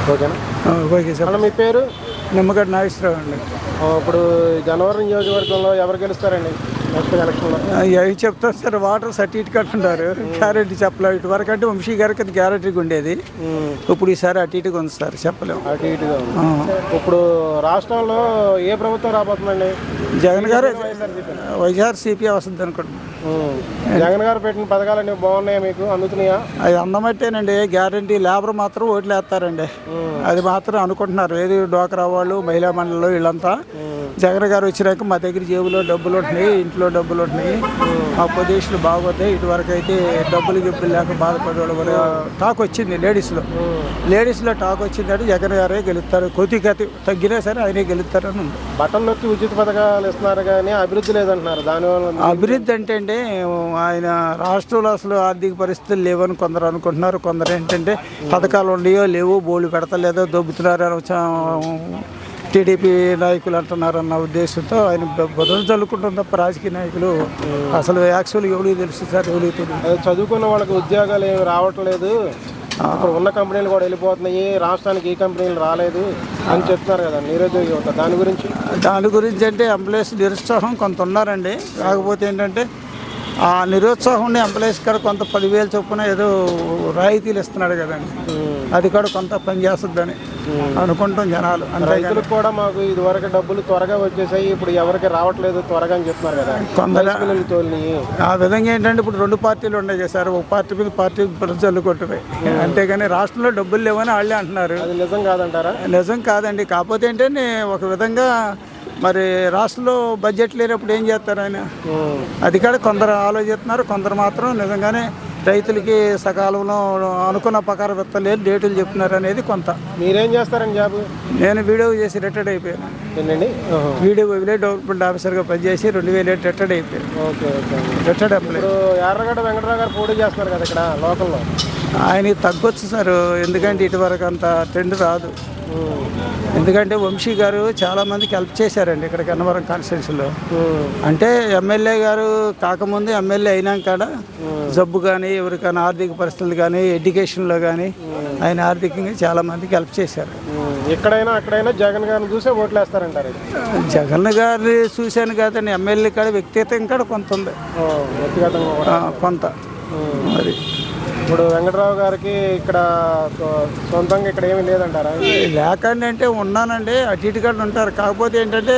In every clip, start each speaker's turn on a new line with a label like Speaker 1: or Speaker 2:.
Speaker 1: ఓకేనా?
Speaker 2: Okay sir.
Speaker 1: మీ పేరు?
Speaker 2: నిమ్మగడ్డ నాగేశ్వరరావు అండి.
Speaker 1: ఇప్పుడు గన్నవరం నియోజకవర్గంలో ఎవరు గెలుస్తారండి నెక్స్ట్ ఎలక్షన్లో?
Speaker 2: అవి చెప్తారు సార్, వాటర్ సర్టిఫికేట్ అంటారు, గ్యారెంటీ చెప్పలేము. ఇటు వరకు అంటే వంశీ గారికి అది గ్యారెంటీగా ఉండేది, ఇప్పుడు ఈసారి అటు ఇటుగా ఉంది సార్, చెప్పలేము.
Speaker 1: అటు ఇటుగా ఉంది. ఇప్పుడు రాష్ట్రంలో ఏ ప్రభుత్వం రాబోతుందండి?
Speaker 2: జగన్ గారు వైఎస్ఆర్సీపీ వస్తుంది అనుకుంటున్నాను.
Speaker 1: జగన్ గారు పెట్టిన పథకాలన్నీ బాగున్నాయా, మీకు అందుతున్నాయా?
Speaker 2: అది అందమట్టేనండి, గ్యారెంటీ. లేబర్ మాత్రం ఓట్లు వేస్తారండి, అది మాత్రం అనుకుంటున్నారు. ఏది డోకరా వాళ్ళు, మహిళా మండలిలో వీళ్ళంతా జగన్ గారు వచ్చినాక మా దగ్గర జేబులో డబ్బులు ఉంటున్నాయి, ఇంట్లో డబ్బులు ఉంటున్నాయి, మా పొజిషన్లు బాగోతాయి. ఇటువరకు అయితే డబ్బులు లేక బాధపడేవాళ్ళు కూడా టాక్ వచ్చింది. లేడీస్లో టాక్ వచ్చిందంటే జగన్ గారే గెలుస్తారు, కొద్దిగా తగ్గినా సరే ఆయనే గెలుస్తారని ఉంది.
Speaker 1: బటన్ నొక్కి ఉచిత పథకాలు ఇస్తున్నారు కానీ అభివృద్ధి లేదంటున్నారు. దానివల్ల
Speaker 2: అభివృద్ధి అంటే ఆయన రాష్ట్రంలో అసలు ఆర్థిక పరిస్థితులు లేవని కొందరు అనుకుంటున్నారు. కొందరు ఏంటంటే పథకాలు ఉన్నాయో లేవో, బోళ్ళు పెడతలేదో, దొబ్బుతున్నారు టీడీపీ నాయకులు అంటున్నారన్న ఉద్దేశంతో ఆయన బదులు చల్లుకుంటుంది తప్ప రాజకీయ నాయకులు అసలు యాక్చువల్గా ఎవరికి తెలుసు సార్, ఎవరికి తెలియదు.
Speaker 1: చదువుకున్న వాళ్ళకి ఉద్యోగాలు ఏమి రావట్లేదు, ఇప్పుడు ఉన్న కంపెనీలు కూడా వెళ్ళిపోతున్నాయి, రాష్ట్రానికి ఈ కంపెనీలు రాలేదు అని చెప్తున్నారు కదా నిరుద్యోగ యువత. దాని గురించి
Speaker 2: అంటే ఎంప్లాయీస్ నిరుత్సాహం కొంత ఉన్నారండి. కాకపోతే ఏంటంటే ఆ నిరుత్సాహం ఎంప్లాయీస్ కూడా కొంత 10,000 చొప్పున ఏదో రాయితీలు ఇస్తున్నాడు కదండి, అది కూడా కొంత పనిచేస్తుందని అనుకుంటాం జనాలు.
Speaker 1: రైతులకు కూడా మాకు ఇదివరకు డబ్బులు త్వరగా వచ్చేసాయి, ఇప్పుడు ఎవరికి రావట్లేదు త్వరగా అని చెప్తున్నారు కదా కొందరు.
Speaker 2: ఆ విధంగా ఏంటంటే ఇప్పుడు 2 పార్టీలు ఉన్నాయి కదా సార్, ఒక పార్టీ మీద పార్టీ జల్లుకుంటున్నాయి, అంతేగాని రాష్ట్రంలో డబ్బులు లేవని వాళ్ళే అంటున్నారు.
Speaker 1: అది నిజం కాదంటారా?
Speaker 2: నిజం కాదండి. కాకపోతే ఏంటంటే ఒక విధంగా మరి రాష్ట్రంలో బడ్జెట్ లేనప్పుడు ఏం చేస్తారు ఆయన, అది కూడా కొందరు ఆలోచిస్తున్నారు. కొందరు మాత్రం నిజంగానే రైతులకి సకాలంలో అనుకున్న ప్రకారం విత్తలేరు, డేటులు చెప్తున్నారు అనేది కొంత.
Speaker 1: మీరేం చేస్తారండి జాబ్?
Speaker 2: నేను వీడియో చేసి రిటైర్డ్ అయిపోయాను.
Speaker 1: ఏంటండి?
Speaker 2: వీడియో విలేజ్ డెవలప్మెంట్ ఆఫీసర్గా పనిచేసి 2007 రిటైర్డ్ అయిపోయాను.
Speaker 1: Okay okay.
Speaker 2: Retired employee.
Speaker 1: ఇప్పుడు యార్లగడ్డ వెంకటరావు గారు పోటీ చేస్తున్నారు కదా ఇక్కడ లోకల్లో,
Speaker 2: ఆయనకి తగ్గొచ్చు సార్, ఎందుకంటే ఇటువరకు అంత ట్రెండ్ రాదు. ఎందుకంటే వంశీ గారు చాలామందికి హెల్ప్ చేశారండి ఇక్కడ గన్నవరం కాన్స్టిట్యున్సీలో. అంటే ఎమ్మెల్యే గారు కాకముందు ఎమ్మెల్యే అయినాక జబ్బు కానీ ఎవరికైనా ఆర్థిక పరిస్థితులు కానీ ఎడ్యుకేషన్లో కానీ ఆయన ఆర్థికంగా చాలామందికి హెల్ప్ చేశారు.
Speaker 1: ఎక్కడైనా అక్కడైనా జగన్ గారిని చూసే ఓట్లు వేస్తారంటారు.
Speaker 2: జగన్ గారిని చూశాను కాదండి, ఎమ్మెల్యే కాడ వ్యక్తిగతం కూడా కొంత ఉంది, వ్యక్తిగతంగా కొంత. అది
Speaker 1: ఇప్పుడు వెంకటరావు గారికి ఇక్కడ సొంతంగా ఇక్కడ ఏమీ లేదంటారా?
Speaker 2: లేకండి అంటే ఉన్నానండి, అటు ఇటు కూడా ఉంటారు. కాకపోతే ఏంటంటే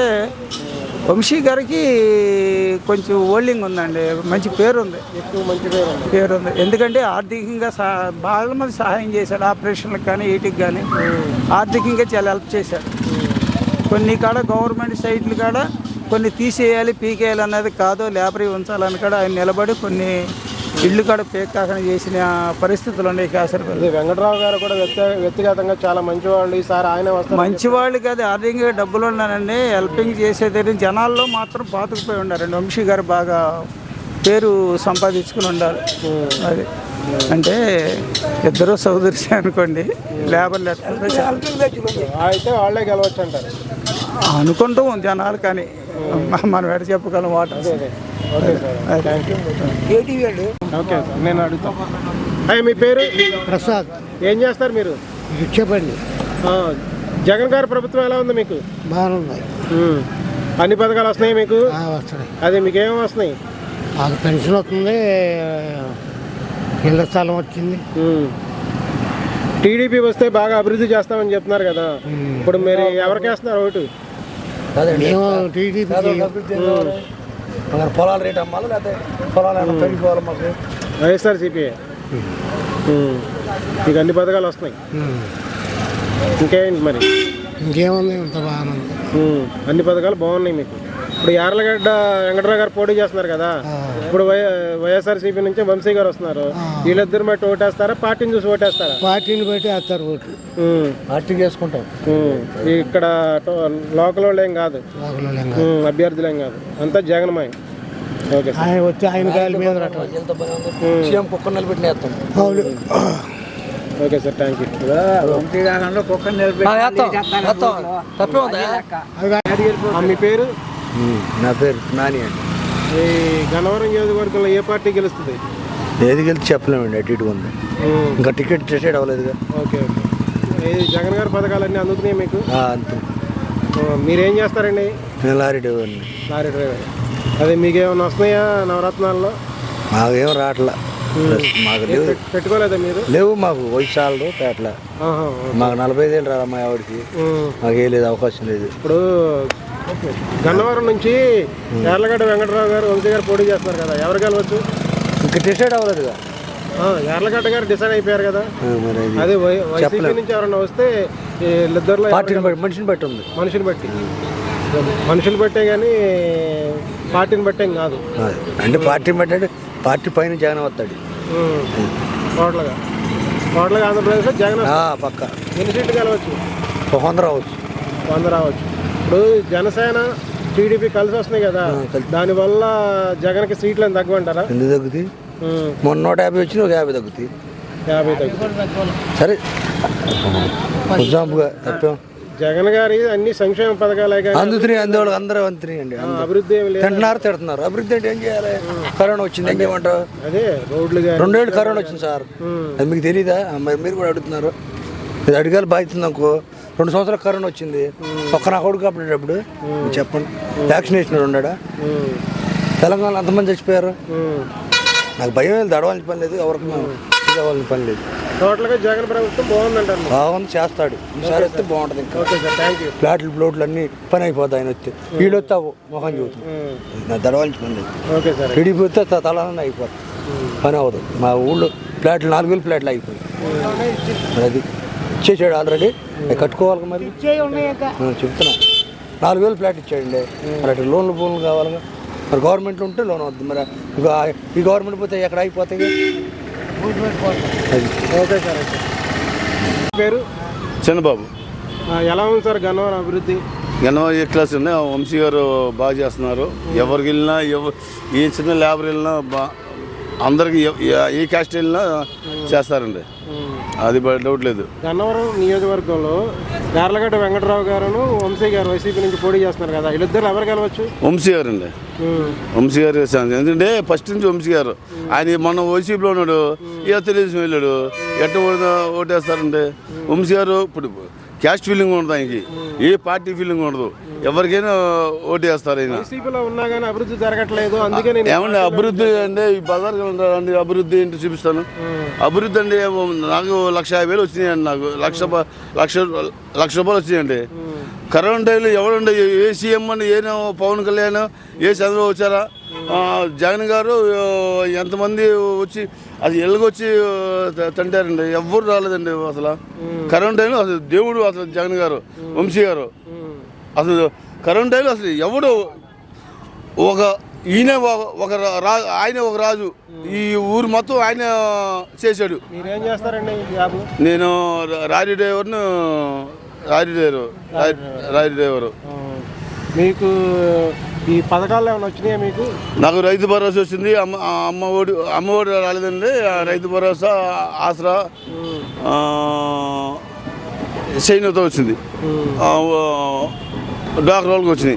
Speaker 2: వంశీ గారికి కొంచెం హోల్డింగ్ ఉందండి, మంచి పేరు ఉంది,
Speaker 1: ఎక్కువ మంచి పేరు
Speaker 2: ఉంది. ఎందుకంటే ఆర్థికంగా బాగా మంది సహాయం చేశాడు, ఆపరేషన్లకు కానీ వీటికి కానీ ఆర్థికంగా చాలా హెల్ప్ చేశాడు. కొన్ని కాడ గవర్నమెంట్ సైట్లు కాడ కొన్ని తీసేయాలి, పీకేయాలి అన్నది కాదు, లేబరీ ఉంచాలని కూడా ఆయన నిలబడి కొన్ని ఇళ్ళు కూడా పేకాకన చేసిన పరిస్థితులు ఉన్నాయి కాసరపల్లి.
Speaker 1: వెంకటరావు గారు కూడా వ్యక్తిగతంగా చాలా మంచివాళ్ళు, ఈసారి ఆయన వస్తారు.
Speaker 2: మంచివాళ్ళు కాదు, ఆర్థికంగా డబ్బులు ఉన్నారండి, హెల్పింగ్ చేసేది. జనాల్లో మాత్రం పాతుకుపోయి ఉండారండి. వంశీ గారు బాగా పేరు సంపాదించుకుని ఉండాలి. అది అంటే ఇద్దరు సోదరుసే అనుకోండి, లేబర్
Speaker 1: అయితే వాళ్ళే గెలవచ్చు అంటారు
Speaker 2: అనుకుంటూ జనాలు, కానీ మనం ఎడ చెప్పగలం water.
Speaker 1: Okay sir, thank you. Okay sir, నేను అడుగుతాను. మీ పేరు?
Speaker 3: ప్రసాద్.
Speaker 1: ఏం చేస్తారు మీరు?
Speaker 3: చెప్పండి.
Speaker 1: జగన్ గారి ప్రభుత్వం ఎలా ఉంది మీకు?
Speaker 3: బాగుంది.
Speaker 1: అన్ని పథకాలు వస్తున్నాయి మీకు?
Speaker 3: వస్తున్నాయి.
Speaker 1: అదే మీకు ఏమేమి వస్తున్నాయి?
Speaker 3: మాకు పెన్షన్ వస్తుంది, ఇళ్ళ స్థలం వచ్చింది.
Speaker 1: టీడీపీ వస్తే బాగా అభివృద్ధి చేస్తామని చెప్తున్నారు కదా, ఇప్పుడు మీరు ఎవరికి వేస్తున్నారు ఓటు?
Speaker 3: మేము టీడీపీ.
Speaker 2: పొలాల రేట్ అమ్మాలి, లేకపోతే పొలాలు పెరిగిపోవాలి. మాకు
Speaker 1: వైఎస్ఆర్సీపీ మీకు అన్ని పథకాలు వస్తున్నాయి. ఇంకేంటి మరి?
Speaker 3: ఇంకేముంది, ఇంత బాగుంది.
Speaker 1: అన్ని పథకాలు బాగున్నాయి మీకు. ఇప్పుడు యార్లగడ్డ వెంకటరావు గారు పోటీ చేస్తున్నారు కదా, ఇప్పుడు వైఎస్ఆర్సీపీ నుంచి వంశీ గారు వస్తున్నారు. వీళ్ళిద్దరు బట్టి ఓటేస్తారా, పార్టీని చూసి ఓటేస్తారా?
Speaker 3: పార్టీని బట్టి వేస్తారు ఓటు. పార్టీకి వేసుకుంటాం.
Speaker 1: ఇక్కడ లోకల్ వాళ్ళు ఏం కాదు, అభ్యర్థులు ఏం కాదు, అంతా జగన్మయ. ఓకే,
Speaker 3: ఆయన వచ్చి ఆయన గాలి మీద
Speaker 2: కుక్క నిలబెట్టిన వేస్తాం.
Speaker 1: Okay sir, thank you. మీ పేరు?
Speaker 4: నా పేరు నాని అండి.
Speaker 1: ఈ గన్నవరం నియోజకవర్గంలో ఏ పార్టీ గెలుస్తుంది?
Speaker 4: ఏది గెలిచి చెప్పలేమండి, అటు ఇటు ఉంది, ఇంకా టికెట్ డిసైడ్ అవ్వలేదుగా.
Speaker 1: Okay okay. ఇది జగన్ గారి పథకాలన్నీ అందుతున్నాయి మీకు?
Speaker 4: అంతే.
Speaker 1: మీరేం చేస్తారండి?
Speaker 4: నేను లారీ డ్రైవర్ని.
Speaker 1: Lorry driver. అదే మీకేమైనా వస్తున్నాయా నవరత్నాల్లో?
Speaker 4: మాకేం రావట్లా. మాకు లేవు.
Speaker 1: పెట్టుకోలేదా మీరు?
Speaker 4: లేవు మాకు వయసు చాలదు పేటల. మాకు 45 ఏళ్ళు రాదు మా ఆవిడకి. మాకేం లేదు, అవకాశం లేదు.
Speaker 1: ఇప్పుడు గన్నవరం నుంచి యార్లగడ్డ వెంకటరావు గారు వంశీ గారు పోటీ చేస్తున్నారు కదా, ఎవరు గెలవచ్చు?
Speaker 4: ఇంకా డిసైడ్ అవ్వలేదుగా.
Speaker 1: యార్లగడ్డ గారు డిసైడ్ అయిపోయారు కదా.
Speaker 4: మరి
Speaker 1: అదే వైసీపీ నుంచి ఎవరన్నా వస్తే వీళ్ళిద్దరిలో
Speaker 4: పార్టీని బట్టి, మనిషిని బట్టి ఉంది.
Speaker 1: మనుషులు బట్టే కానీ పార్టీని బట్టే కాదు.
Speaker 4: అంటే పార్టీని బట్టి, పార్టీ పైన జగన్ వస్తాడు.
Speaker 1: టోటల్గా ఆంధ్రప్రదేశ్లో జగన్
Speaker 4: పక్క.
Speaker 1: ఎన్ని సీట్లు గెలవచ్చు?
Speaker 4: 100 రావచ్చు.
Speaker 1: 100 రావచ్చు. ఇప్పుడు జనసేన టీడీపీ కలిసి వస్తున్నాయి కదా, దానివల్ల జగన్కి సీట్లు అని తగ్గమంటారా?
Speaker 4: ఎందుకు తగ్గుతాయి? మొన్న 150 వచ్చి 50 తగ్గుతాయి.
Speaker 1: 50 తగ్గుతాయి.
Speaker 4: సరే ఎగ్జాంపుల్గా తప్పేం.
Speaker 1: జగన్ గారి అన్ని సంక్షేమ పథకాలే
Speaker 4: అందుతున్నాయి, అందులో అందరూ అందుతున్నాయండి.
Speaker 1: అభివృద్ధి ఏమి లేదు.
Speaker 4: తిడుతున్నారు. అభివృద్ధి అంటే ఏం చేయాలి? కరోనా వచ్చింది, ఏం చేయమంటారు?
Speaker 1: అదే రోడ్లు
Speaker 4: 2 ఏళ్ళు కరోనా వచ్చింది సార్, అది మీకు తెలీదా? మరి మీరు కూడా అడుగుతున్నారు. ఇది అడిగాలి బాధ్యత. అనుకో 2 సంవత్సరాలు కరోనా వచ్చింది, ఒక్క నా కొడుకు అప్పుడేటప్పుడు చెప్పండి. వ్యాక్సినేషన్ ఉన్నాడా? తెలంగాణలో అంతమంది చచ్చిపోయారు. నాకు భయం లేదు, దడవాల్సిన పని లేదు, ఎవరికి కావాల్సిన పని లేదు.
Speaker 1: టోటల్గా జగన్ ప్రభుత్వం బాగుందంటారు.
Speaker 4: బాగుంది, చేస్తాడు. ఈసారి వస్తే బాగుంటుంది. ఇంకా
Speaker 1: ఓకే సార్, థ్యాంక్ యూ.
Speaker 4: ఫ్లాట్లు ప్లోట్లు అన్నీ పని అయిపోతాయి. ఆయన వస్తే వీళ్ళు వస్తే మొహం చూస్తుంది. నా దడవాల్సిన పని లేదు.
Speaker 1: Okay sir.
Speaker 4: టీడీపీ వస్తే తలాలన్నా అయిపోతుంది, పని అవ్వదు. మా ఊళ్ళో ఫ్లాట్లు 4,000 ఫ్లాట్లు అయిపోయి మరి అది ఇచ్చేసాడు ఆల్రెడీ. అవి కట్టుకోవాలి మరి. చెప్తున్నా 4,000 ఫ్లాట్ ఇచ్చాడండి. మరి అటు లోన్లు కావాలిగా. మరి గవర్నమెంట్లో ఉంటే లోన్ అవుతుంది. మరి ఈ గవర్నమెంట్ పోతే ఎక్కడ అయిపోతాయి.
Speaker 1: Okay sir. పేరు
Speaker 5: చంద్రబాబు.
Speaker 1: ఎలా ఉంది సార్ గన్నవరం అభివృద్ధి?
Speaker 5: గన్నవరం ఏ క్లాస్ ఉన్నాయి, వంశీ గారు బాగా చేస్తున్నారు. ఎవరికి వెళ్ళినా ఏ చిన్న లేబర్ వెళ్ళినా అందరికి ఏ క్యాస్ట్ వెళ్ళినా చేస్తారండి, అది డౌట్ లేదు.
Speaker 1: గన్నవరం నియోజకవర్గంలో యార్లగడ్డ వెంకటరావు గారును వంశీ గారు వైసీపీ నుంచి పోటీ చేస్తున్నారు కదా, వీళ్ళిద్దరు ఎవరు గెలవచ్చు?
Speaker 5: వంశీ గారు అండి. వంశీ గారు ఎందుకంటే ఫస్ట్ నుంచి వంశీ గారు. ఆయన మొన్న వైసీపీలో ఉన్నాడు, ఇక తెలుగుదేశం వెళ్ళాడు. ఎట్ట ఓటేస్తారండి? వంశీ గారు ఇప్పుడు క్యాస్ట్ ఫీలింగ్ ఉండదు ఆయనకి, ఏ పార్టీ ఫీలింగ్ ఉండదు. ఎవరికైనా ఓటు వేస్తారు. ఆయన
Speaker 1: వైసీపీలో ఉన్నా కానీ అభివృద్ధి జరగట్లేదు, అందుకే
Speaker 5: ఏమండి అభివృద్ధి అంటే ఈ బజార్ అండి. అభివృద్ధి ఏంటి చూపిస్తాను. అభివృద్ధి అంటే నాకు 150,000 వచ్చినాయండి. నాకు లక్ష రూపాయలు వచ్చినాయండి. కరోనా టైంలో ఎవరుండే ఏ సీఎం అండి, ఏ పవన్ కళ్యాణ్, ఏ చంద్రబాబు వచ్చారా? జగన్ గారు ఎంతమంది వచ్చి అది ఎలుగొచ్చి తంటారండి, ఎవ్వరు రాలేదండి. అసలు కరోనా టైంలో అసలు దేవుడు అసలు జగన్ గారు, వంశీ గారు. అసలు కరోనా టైంలో అసలు ఎవడు ఈయన ఆయన ఒక రాజు, ఈ ఊరు మొత్తం ఆయన చేశాడు.
Speaker 1: మీరేం చేస్తారండి?
Speaker 5: నేను లారీ డ్రైవరు.
Speaker 1: మీకు ఈ పథకాలు ఏమైనా వచ్చినాయా మీకు?
Speaker 5: నాకు రైతు భరోసా వచ్చింది. అమ్మఒడి రాలేదండి. రైతు భరోసా, ఆసరా, సైన్యతో వచ్చింది. డాక్టర్ వాళ్ళకి వచ్చినాయి.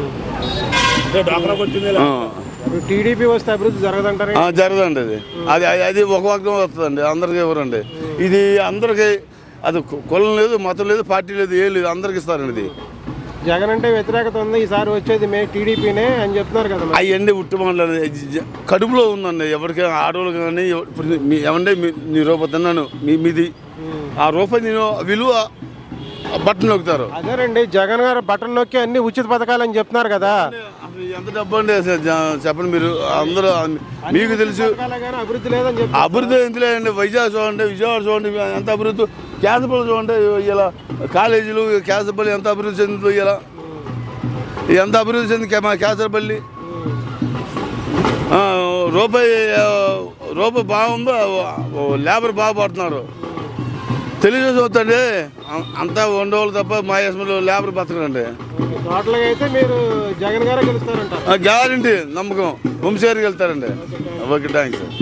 Speaker 1: టీడీపీ వస్తే అభివృద్ధి జరగదంటారు?
Speaker 5: జరగదండి. అది ఒక వర్గం వస్తుందండి, అందరికీ ఎవరండి. ఇది అందరికీ, అది కులం లేదు, మతం లేదు, పార్టీ లేదు, ఏం లేదు, అందరికి ఇస్తారండి. ఇది
Speaker 1: జగన్ అంటే వ్యతిరేకత ఉంది, ఈసారి వచ్చేది టీడీపీనే అని చెప్తున్నారు కదా.
Speaker 5: అవన్నీ ఉట్టుమాటలు కడుపులో ఉందండి. ఎవరికైనా ఆడవాళ్ళు కానీ ఏమంటే నీ రూపాయి తిన్నాను, మీది ఆ రూపాయి నేను విలువ బట్టలు నొక్కుతారు.
Speaker 1: అదేనండి, జగన్ గారు బట్టలు నొక్కి అన్ని ఉచిత పథకాలు అని చెప్తున్నారు కదా.
Speaker 5: ఎంత డబ్బు అండి చెప్పండి మీరు. అందరూ మీకు తెలుసు
Speaker 1: అభివృద్ధి లేదని చెప్పి.
Speaker 5: అభివృద్ధి ఎంత లేదండి. విజయవాడ చూడండి ఎంత అభివృద్ధి. కేసపల్లి చూడండి, ఇలా కాలేజీలు కేసపల్లి ఎంత అభివృద్ధి చెందుతుంది. ఇలా ఎంత అభివృద్ధి చెంది మా కేసరపల్లి. రూపాయి బాగుందో, లేబర్ బాగా పడుతున్నారు. తెలుగుదేశం వద్దండి, అంతా ఉండేవాళ్ళు తప్ప మా యశ్మలో లేబర్ బతకరండి.
Speaker 1: టోటల్గా అయితే మీరు జగన్ గారే గెలుస్తారంట?
Speaker 5: గ్యారంటీ, నమ్మకం. వంశీ గారికి వెళ్తారండి. Okay, thanks.